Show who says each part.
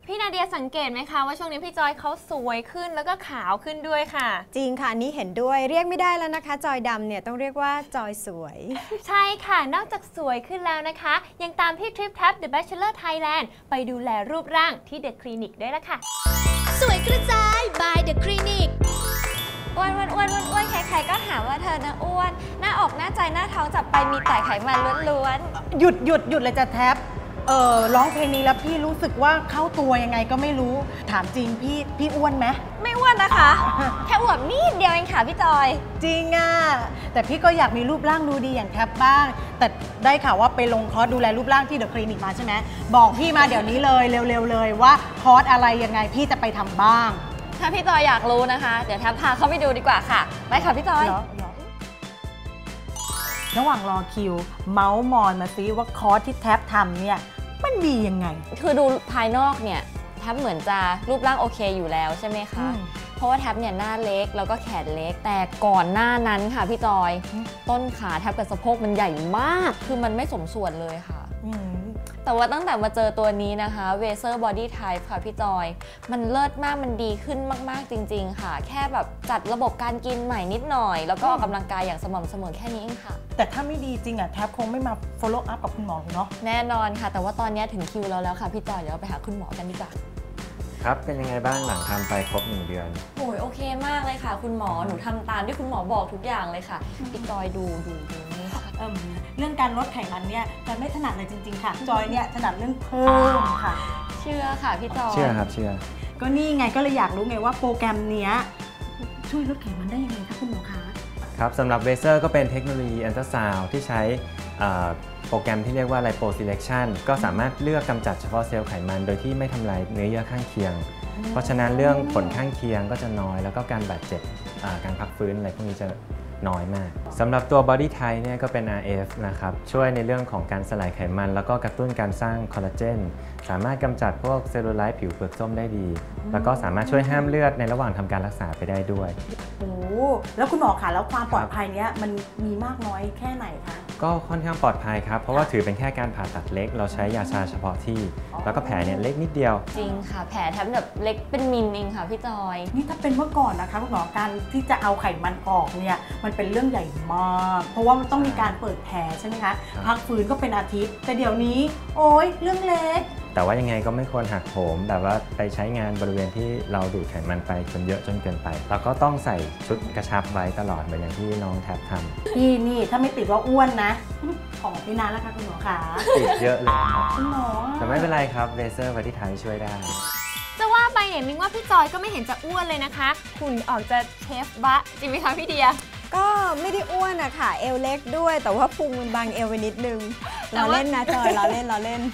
Speaker 1: พี่นาเดียสังเกตไหมคะว่าช่วงนี้พี่จอยเขาสวยขึ้นแล้วก็ขาวขึ้นด้วยค่ะ
Speaker 2: จริงค่ะนี้เห็นด้วยเรียกไม่ได้แล้วนะคะจอยดำเนี่ยต้องเรียกว่าจอยสวย
Speaker 1: ใช่ค่ะนอกจากสวยขึ้นแล้วนะคะยังตามพี่ทริปแท็บ The Bachelor Thailand ไปดูแลรูปร่างที่ The Clinic ด้วยละค่ะ
Speaker 3: สวยกระจาย by The Clinic อ้วนใครๆก็หาว่าเธอนะอ้วนหน้าอกหน้าใจหน้าท้องจับไปมีแต่ไขมันล้วน
Speaker 4: ๆหยุดเลยจะแท็บร้องเพลงนี้แล้วพี่รู้สึกว่าเข้าตัวยังไงก็ไม่รู้ถามจริงพี่อ้วนไหม
Speaker 3: ไม่อ้วนนะคะ แค่อวบนิดเดียวเองค่ะพี่จอย
Speaker 4: จริงอ่ะแต่พี่ก็อยากมีรูปร่างดูดีอย่างแท็บบ้างแต่ได้ข่าวว่าไปลงคอร์สดูแลรูปร่างที่เดอะคลินิกมาใช่ไหมบอกพี่มาเดี๋ยวนี้เลยเร็วๆเลยว่าคอร์สอะไรยังไงพี่จะไปทำบ้าง
Speaker 3: ถ้าพี่จอยอยากรู้นะคะเดี๋ยวแท็บพาเข้าไปดูดีกว่าค่ะไปค่ะพี่จอย
Speaker 4: ระหว่างรอคิวเมาส์มอยมาซิว่าคอร์สที่แท็บทำเนี่ยมันดียังไง
Speaker 3: คือดูภายนอกเนี่ยแท็บเหมือนจะรูปร่างโอเคอยู่แล้วใช่ไหมคะเพราะว่าแท็บเนี่ยหน้าเล็กแล้วก็แขนเล็กแต่ก่อนหน้านั้นค่ะพี่จอยต้นขาแท็บกับสะโพกมันใหญ่มากคือมันไม่สมส่วนเลยค่ะแต่ว่าตั้งแต่มาเจอตัวนี้นะคะ Vaser Body Type ค่ะพี่จอยมันเลิศมากมันดีขึ้นมากๆจริงๆค่ะแค่แบบจัดระบบการกินใหม่นิดหน่อยแล้วก็ออกกำลังกายอย่างสม่ำเสมอแค่นี้เองค่ะ
Speaker 4: แต่ถ้าไม่ดีจริงอ่ะแท็บคงไม่มา follow up กับคุณหมอเนาะ
Speaker 3: แน่นอนค่ะแต่ว่าตอนนี้ถึงคิวเราแล้วค่ะพี่จอยเดี๋ยวเราไปหาคุณหมอกันดีกว่า
Speaker 5: ครับเป็นยังไงบ้างหลังทำไปครบ1 เดือน
Speaker 3: โอ้ยโอเคมากเลยค่ะคุณหมอหนูทำตามที่คุณหมอบอกทุกอย่างเลยค่ะพี่จอยดูนี่ค่ะ
Speaker 4: เรื่องการลดไขมันเนี่ยจอยไม่ถนัดเลยจริงๆค่ะจอยเนี่ยถนัดเรื่องเพิ่มค่ะ
Speaker 3: เชื่อค่ะพี่จอย
Speaker 5: เชื่อครับเชื่อ
Speaker 4: ก็นี่ไงก็เลยอยากรู้ไงว่าโปรแกรมเนี้ยช่วยลดไขมันได้ยังไงคะคุณหมอคะ
Speaker 5: ครับสำหรับเวเซอร์ก็เป็นเทคโนโลยีอัลตราซาวด์ที่ใช้โปรแกรมที่เรียกว่า Lipo Selection ก็สามารถเลือกกำจัดเฉพาะเซลล์ไขมันโดยที่ไม่ทำลายเนื้อเยื่อข้างเคียงเพราะฉะนั้นเรื่องผลข้างเคียงก็จะน้อยแล้วก็การบาดเจ็บการพักฟื้นอะไรพวกนี้จะน้อยมากสำหรับตัว Body Type เนี่ยก็เป็น RF นะครับช่วยในเรื่องของการสลายไขมันแล้วก็กระตุ้นการสร้างคอลลาเจนสามารถกำจัดพวกเซลลูไลท์ผิวเปลือกส้มได้ดีแล้วก็สามารถช่วยห้ามเลือดในระหว่างทำการรักษาไปได้ด้วย
Speaker 4: โอ้แล้วคุณหมอคะแล้วความปลอดภัยเนี้ยมันมีมากน้อยแค่ไหนคะ
Speaker 5: ก็ค่อนข้างปลอดภัยครับเพราะว่าถือเป็นแค่การผ่าตัดเล็กเราใช้ยาชาเฉพาะที่แล้วก็แผลเนี่ยเล็กนิดเดียว
Speaker 3: จริงค่ะแผลแทบแบบเล็กเป็นมิลเองค่ะพี่จอย
Speaker 4: นี่ถ้าเป็นเมื่อก่อนนะคะคุณหมอการที่จะเอาไขมันออกเนี่ยมันเป็นเรื่องใหญ่มากเพราะว่ามันต้องมีการเปิดแผลใช่ไหมคะพักฟื้นก็เป็นอาทิตย์แต่เดี๋ยวนี้โอ๊ยเรื่องเล็ก
Speaker 5: แต่ว่ายังไงก็ไม่ควรหักโหมแบบว่าไปใช้งานบริเวณที่เราดูดไขมันไปจนเยอะจนเกินไปแล้วก็ต้องใส่ชุดกระชับไว้ตลอดเหมือนอย่างที่น้องแท็บทำ
Speaker 4: นี่ถ้าไม่ติดว่าอ้วนนะของพี่นานแล้วค่ะคุณหมอขา
Speaker 5: ติดเยอะเลยครับ
Speaker 4: คุณหมอ
Speaker 5: แต่ไม่เป็นไรครับเวเซอร์ที่ไทยช่วยได้
Speaker 1: จะว่าไปเนี่ยมิงว่าพี่จอยก็ไม่เห็นจะอ้วนเลยนะคะหุ่นออกจะเชฟบะจริงไหมคะพี่เดีย
Speaker 2: ก็ไม่ได้อ้วนอะค่ะเอวเล็กด้วยแต่ว่าพุงมันบางเอวไปนิดนึงเราเล่นนะจอยเราเล่น